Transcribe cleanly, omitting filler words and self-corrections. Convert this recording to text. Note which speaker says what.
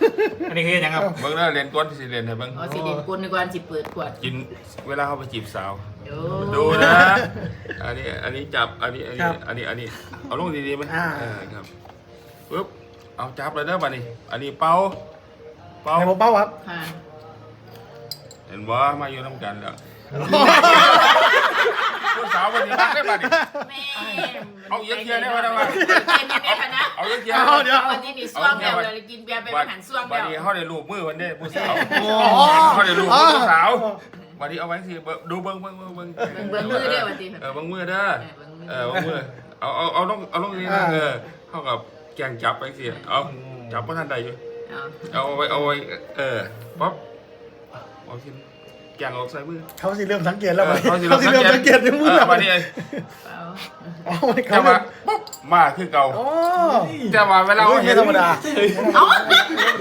Speaker 1: อันนี้คือยังครับ
Speaker 2: เบิ่งแล้วเรียนก้นสิเรียนให้เบิ่ง
Speaker 3: อ๋อสิเด่นกุลในการสิเปิดขวด
Speaker 2: กินเวลาเขาไปจีบสาว
Speaker 3: โอ้
Speaker 2: ดูนะ อันนี้จับ อันนี้เอาลงดีๆไหมครับปึ๊บ เอาจับเลยนะบัดนี้ อันนี้เป่า
Speaker 4: ให้ผมเป้าครับ
Speaker 3: ค่ะ
Speaker 2: เห็นว่ามาอยู่น้ำกันแล้วผู้สาววันนี้รักได้บัดนี้
Speaker 3: แม่
Speaker 2: เอาเยอะแยะได้ไหมวะ
Speaker 3: เป็นยังไงคะนะ
Speaker 2: เอาเยอะแยะ
Speaker 4: เดี๋ยว
Speaker 3: วันนี้มีซ่วงเดียวเลยกินเบียร์เป็นอาหารซ่วง
Speaker 2: บั
Speaker 3: เดี
Speaker 2: ด
Speaker 3: ยว
Speaker 2: นี้เขาได้รูปมือวันนี้ผู้สาว
Speaker 4: โอ้
Speaker 2: เขาได้รูปมือผู้สาวบัดนี้เอาไว้สิดูเบิ้ง
Speaker 3: เบิ่งมือเดียววันนี้
Speaker 2: เบิ้งมือเด้อเบิ้งมือเอาลงนี่นะเท่ากับแกงจับไปสิเอาจับเพราะท่านใดอยู่เอาไว้ป๊อปเอาชิ้นแกงออกใส่มือ
Speaker 4: เขาสิเริ่มสังเกตแล้ว
Speaker 2: เขาสิ
Speaker 4: เขาสิเริ่มสังเกตในมือแล้ว
Speaker 2: บัดนี้
Speaker 4: เอาไปครั
Speaker 2: จะ
Speaker 4: บ
Speaker 2: มาปุ๊บมาคือเก่า
Speaker 4: โอ้
Speaker 2: จะมาเวลา
Speaker 4: ไม่ธรรมดา
Speaker 3: เอา